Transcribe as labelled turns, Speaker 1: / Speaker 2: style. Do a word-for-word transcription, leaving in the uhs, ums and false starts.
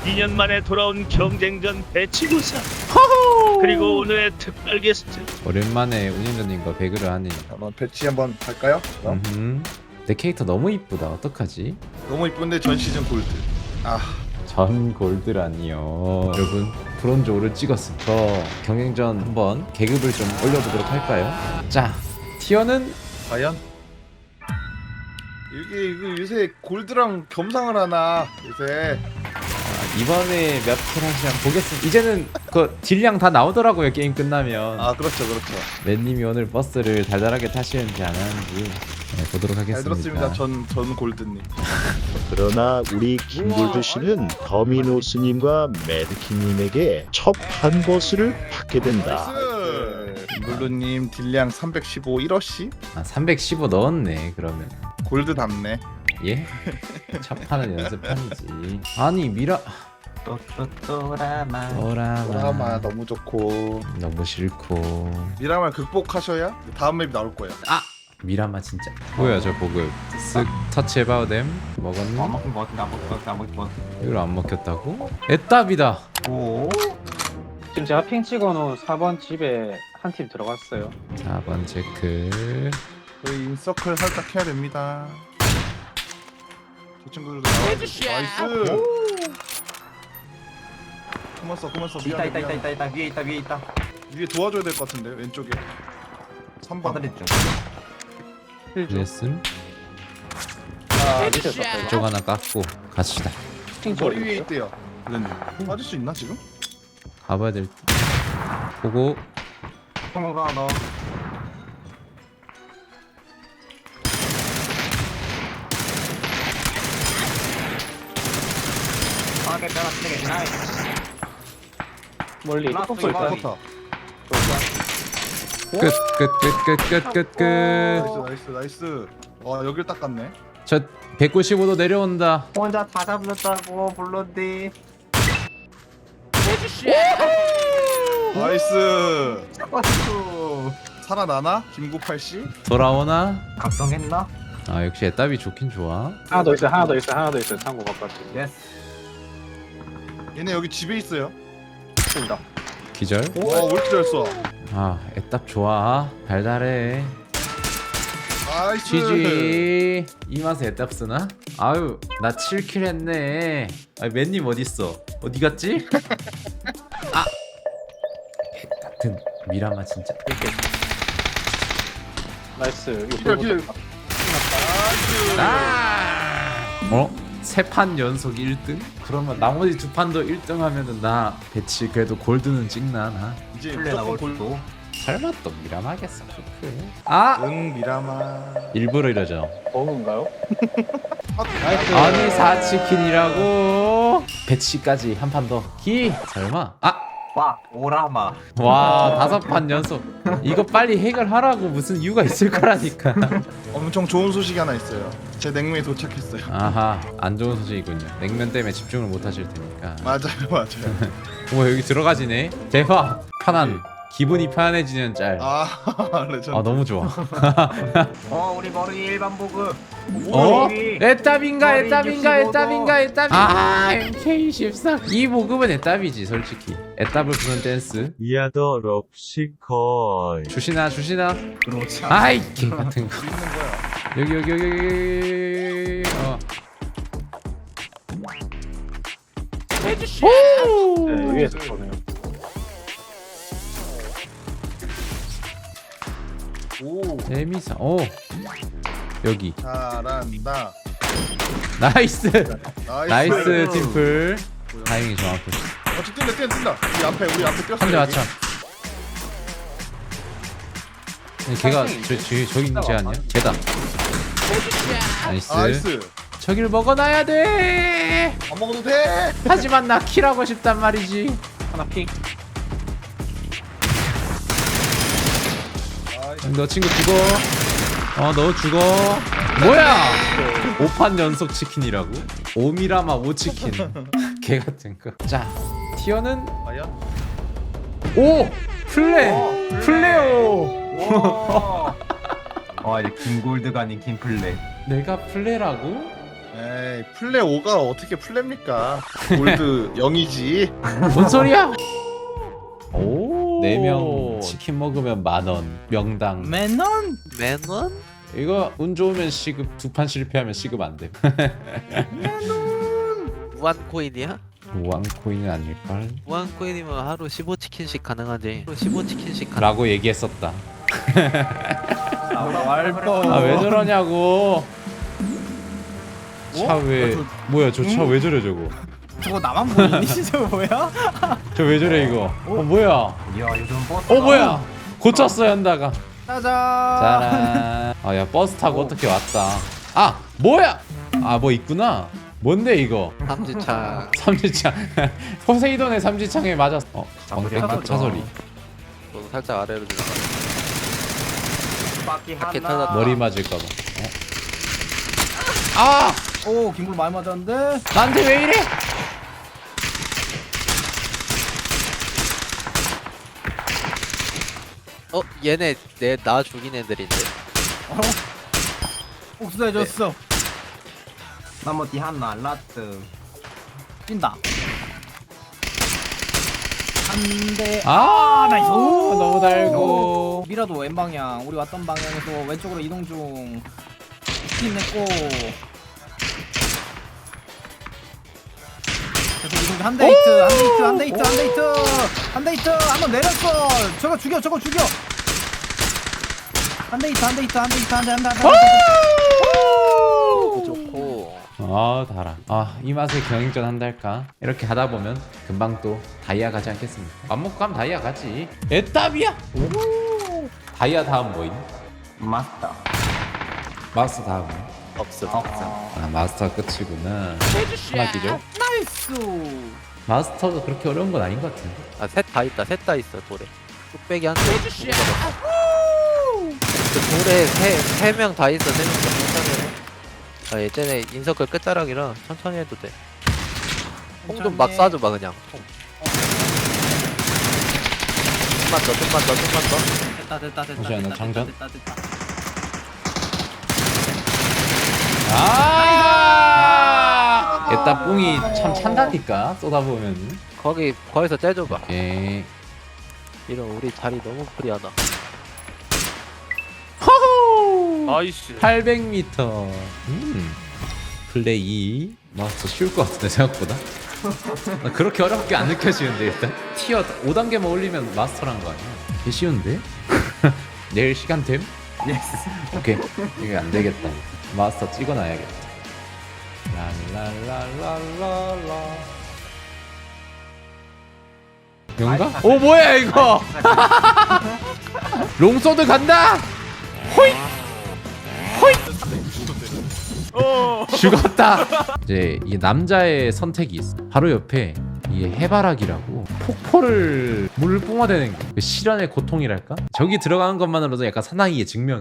Speaker 1: 이 년 만에 돌아온 경쟁전 배치구사. 그리고 오늘의 특별 게스트.
Speaker 2: 오랜만에 운영자님과 배그를 하니.
Speaker 3: 한번 배치 한번 할까요? 그럼?
Speaker 2: 음흠. 내 캐릭터 너무 이쁘다. 어떡하지?
Speaker 3: 너무 이쁜데 전 시즌 골드. 아,
Speaker 2: 전 골드라니요. 여러분 브론즈 오를 찍었습니다. 저 경쟁전 한번 계급을 좀 올려보도록 할까요? 자, 티어는
Speaker 3: 과연? 이게 이거 요새 골드랑 겸상을 하나 요새.
Speaker 2: 이번에 몇 킬 하시면 보겠습니다. 이제는 그 딜량 다 나오더라고요. 게임 끝나면.
Speaker 3: 아, 그렇죠, 그렇죠.
Speaker 2: 맨님이 오늘 버스를 달달하게 타시는지 안 하는지 네, 보도록 하겠습니다.
Speaker 3: 잘 들었습니다. 전, 전 골드님.
Speaker 4: 그러나 우리 김골드 씨는 더미노스님과 매드킹님에게 첫 판 버스를 받게 된다.
Speaker 3: 나이스! 블루님 딜량 삼백십오 일 어시?
Speaker 2: 아, 삼백십오 넣었네. 그러면
Speaker 3: 골드 답네.
Speaker 2: 예? 첫 판은 연습판이지. 아니 미라
Speaker 5: 또라마
Speaker 2: 오라마
Speaker 3: 드라마 너무 좋고.
Speaker 2: 너무 싫고.
Speaker 3: 미라말 극복하셔야 다음 맵이 나올 거예요.
Speaker 2: 아 미라마 진짜 뭐야 저 보급 쓱 터치 해봐도 됨. 먹었니?
Speaker 5: 안 먹힌 거 같은데 안 먹힌 거 같은데 안 먹힌 거 같은데
Speaker 2: 이걸 안 먹혔다고? 애답이다.
Speaker 5: 오
Speaker 6: 지금 제가 핑 찍어놓은 사 번 집에 한 팀 들어갔어요.
Speaker 2: 사 번 체크.
Speaker 3: 저희 인서클 살짝 해야 됩니다. 저 친구들도 나와주고. 나이스! 그만 써, 그만 써.
Speaker 5: 있다
Speaker 3: 미안해,
Speaker 5: 있다 있다
Speaker 3: 미안해.
Speaker 5: 있다 있다 위에 있다 위에 있다
Speaker 3: 위에 도와줘야 될 것 같은데, 왼쪽에. 삼 번.
Speaker 5: 바다리 중
Speaker 6: 힐 좀.
Speaker 2: 레슨
Speaker 6: 아, 밑에 있었어요.
Speaker 2: 이쪽 하나 깎고 갑시다.
Speaker 6: 핑
Speaker 3: 머리
Speaker 6: 찍어.
Speaker 3: 위에 있대요. 블렌님. 빠질 수 있나, 지금?
Speaker 2: 가봐야 될 듯. 보고
Speaker 5: 성공가 하나 아 괜찮아 쓰레기 나이스
Speaker 6: 멀리
Speaker 5: 라스트
Speaker 6: 톡 쏠
Speaker 5: 이거.
Speaker 6: 거야.
Speaker 3: 좋다.
Speaker 2: 끝 끝 끝 끝 끝 끝 끝.
Speaker 3: 나이스, 나이스, 나이스. 와, 여길 딱 갔네.
Speaker 2: 저 백구십오 도 내려온다.
Speaker 5: 혼자 다 잡는다고 불렀디
Speaker 3: 나이스.
Speaker 5: 왔어
Speaker 3: 살아나나? 김구팔씨?
Speaker 2: 돌아오나?
Speaker 5: 각성했나?
Speaker 2: 아 역시 애답이 좋긴 좋아.
Speaker 6: 하나 더 있어요. 하나 더 있어요. 하나 더 있어요. 창고 바깥에.
Speaker 5: 예스
Speaker 3: 얘네 여기 집에 있어요.
Speaker 6: 쏜다.
Speaker 2: 기절.
Speaker 3: 와, 왜 이렇게 잘 쏴?
Speaker 2: 아 애답 좋아. 달달해.
Speaker 3: 나이스.
Speaker 2: 지지. 이 맛에 애답 쓰나? 아유 나 칠 킬 했네. 아 맨님 어딨어? 어디 갔지? 아 같은 미라마 진짜.
Speaker 6: 나이스. 이거
Speaker 3: 기절,
Speaker 6: 보고
Speaker 3: 기절.
Speaker 6: 쏜다.
Speaker 3: 나이스.
Speaker 2: 아! 어? 세 판 연속 일 등? 그러면 나머지 두 판도 일 등 하면은 나 배치 그래도 골드는 찍나 나?
Speaker 3: 이제
Speaker 5: 플레
Speaker 3: 무조건
Speaker 5: 나올
Speaker 3: 골.
Speaker 5: 또
Speaker 2: 설마 또 미라마겠어 그렇게. 아!
Speaker 3: 응, 미라마.
Speaker 2: 일부러 이러죠.
Speaker 6: 버그인가요?
Speaker 3: 나이스.
Speaker 2: 아니 사치킨이라고 배치까지 한 판 더. 기 설마? 아!
Speaker 5: 와 오라마
Speaker 2: 와 다섯 판 연속. 이거 빨리 해결하라고 무슨 이유가 있을 거라니까.
Speaker 3: 엄청 좋은 소식이 하나 있어요. 제 냉면이 도착했어요.
Speaker 2: 아하 안 좋은 소식이군요. 냉면 때문에 집중을 못 하실 테니까.
Speaker 3: 맞아요, 맞아요.
Speaker 2: 뭐 여기 들어가지네. 대박. 편안. 기분이 편안해지는 짤. 아,
Speaker 3: 아, 레전드.
Speaker 2: 너무 좋아.
Speaker 5: 어 우리 머리 일반 보급
Speaker 2: 어?
Speaker 5: 머리.
Speaker 2: 애답인가
Speaker 5: 머리
Speaker 2: 애답인가
Speaker 5: 육십오 도.
Speaker 2: 애답인가 애답. 아 엠케이 십사. 이 보급은 애답이지 솔직히. 애답을 부는 댄스.
Speaker 7: 야더 럽시컬
Speaker 2: 주시나 주시나.
Speaker 5: 그렇지
Speaker 2: 아이 개 같은 거.
Speaker 3: 있는 거야.
Speaker 2: 여기 여기 여기 여기. 어. 오.
Speaker 6: 네, 위에서 쏘네요.
Speaker 3: 오,
Speaker 2: 재미사. 오. 여기.
Speaker 3: 잘한다.
Speaker 2: 나이스.
Speaker 3: 나이스.
Speaker 2: 나이스 팀플. 다행히 정확해.
Speaker 3: 어, 저 뛴다, 뛴다, 뛴다. 우리 앞에, 우리 앞에 뛰었어.
Speaker 2: 한 대 맞춰. 아니, 걔가 저, 저, 저기 있는 쟤 아니야? 쟤다. 나이스.
Speaker 3: 나이스.
Speaker 2: 저길 먹어놔야 돼.
Speaker 3: 안 먹어도 돼.
Speaker 2: 하지만 나 킬하고 싶단 말이지.
Speaker 6: 하나 핑.
Speaker 3: 나이스.
Speaker 2: 너 친구 죽어. 어, 너 죽어. 뭐야? 오 판 연속 치킨이라고? 오미라마 오 치킨. 개 같은 거. 자, 티어는
Speaker 3: 과연?
Speaker 2: 오 플레 플레오.
Speaker 5: 와 이제 김골드가 아닌 김플레
Speaker 2: 내가 플레라고?
Speaker 3: 에이 플레 오가 어떻게 플레입니까? 골드 영이지.
Speaker 2: 뭔 소리야? 오, 네 명 치킨 먹으면 만 원. 명당.
Speaker 8: 맨원?
Speaker 9: 맨원?
Speaker 2: 이거 운 좋으면 시급 두 판 실패하면 시급 안 돼.
Speaker 9: 무한코인이야?
Speaker 2: 무한코인은 아닐걸?
Speaker 9: 무한코인이면 하루 십오 치킨씩 가능하지. 하루 십오 치킨씩 가능.
Speaker 2: 라고 얘기했었다.
Speaker 8: 왈뻔.
Speaker 2: 아 왜 저러냐고. 차 왜 뭐야 저 차 왜 저래 저거.
Speaker 8: 저거 나만 보이니? 저거 뭐야?
Speaker 2: 저 왜 저래 이거. 어 뭐야.
Speaker 5: 이야 요즘 버스.
Speaker 2: 어 뭐야. 고쳤어 현다가.
Speaker 8: 짜잔.
Speaker 2: 짜란. 아 야 버스 타고 어떻게 왔다. 아 뭐야. 아 뭐 있구나. 뭔데 이거.
Speaker 9: 삼지창.
Speaker 2: 삼지창. 포세이돈의 삼지창에 맞았어. 어
Speaker 5: 장소리
Speaker 2: 차,
Speaker 5: 하나죠.
Speaker 2: 차 소리.
Speaker 9: 너도 살짝 아래로 들어가.
Speaker 5: 바퀴
Speaker 9: 바퀴
Speaker 5: 하나.
Speaker 9: 터졌다.
Speaker 2: 머리 맞을까봐. 어? 아
Speaker 8: 오, 김불 많이 맞았는데.
Speaker 2: 나한테 왜 이래?
Speaker 9: 어 얘네 내 나 죽인 애들인데.
Speaker 8: 복수해줬어.
Speaker 5: 나머 뒤 하나 라트.
Speaker 8: 뛴다. 한 대.
Speaker 2: 아
Speaker 8: 나이스.
Speaker 2: 너무 달고.
Speaker 8: 미라도 왼 방향. 우리 왔던 방향에서 왼쪽으로 이동 중. 스킨 냈고. 계속 이동 중. 한대 히트, 한대 히트, 한대 히트, 한대 히트, 한대 히트. 한번 내렸어. 저거 죽여, 저거 죽여. 한대 히트, 한대 히트, 한대 히트, 한대 한대 한대.
Speaker 9: 좋고.
Speaker 2: 아 달아. 아 이 맛에 경행전 한달까? 이렇게 하다 보면 금방 또 다이아 가지 않겠습니까? 밥 먹고 가면 다이아 가지. 애답이야. 오. 다이아 다음 뭐임?
Speaker 5: 마스터.
Speaker 2: 마스터 다음.
Speaker 9: 없어.
Speaker 5: 없어.
Speaker 2: 아 마스터가 끝이구나. 하나 기죠?
Speaker 8: 나이스.
Speaker 2: 마스터가 그렇게 어려운 건 아닌 것 같은데.
Speaker 9: 아셋 다 있다. 셋 다 있어 돌에. 뚝배기 한 대. 그 돌에 세세 명 다 있어. 세 명 다 천천히 해. 아 예전에 인서클 끝자락이라 천천히 해도 돼. 통 좀 막 쏴줘봐 그냥. 통. 좀만 더, 좀만 더, 좀만 더.
Speaker 8: 됐다, 됐다, 됐다.
Speaker 2: 잠시만요,
Speaker 8: 됐다,
Speaker 2: 장전.
Speaker 8: 됐다, 됐다.
Speaker 2: 아! 애따 뿡이 참 찬다니까 쏟아보면.
Speaker 9: 거기 거기서 째줘봐.
Speaker 2: 예.
Speaker 9: 이런 우리 자리 너무 프리하다.
Speaker 2: 호호!
Speaker 1: 나이스.
Speaker 2: 팔백 미터. 음. 플레이. 마스터 쉬울 것 같은데 생각보다. 나 그렇게 어렵게 안 느껴지는데 일단 티어 오 단계만 올리면 마스터란 거 아니야? 개 쉬운데? 내일 시간 됨?
Speaker 5: 예스.
Speaker 2: 오케이 이게 안 되겠다. 마스터 찍어놔야겠다. 랄랄랄랄랄라. 뭔가? 오 뭐야 이거? 롱소드 간다. 호잇. 호잇. 죽었다. 이제 이 남자의 선택이 있어. 바로 옆에 이게 해바라기라고 폭포를 물 뿜어대는 게 실현의 고통이랄까? 저기 들어가는 것만으로도 약간 사나이의 증명.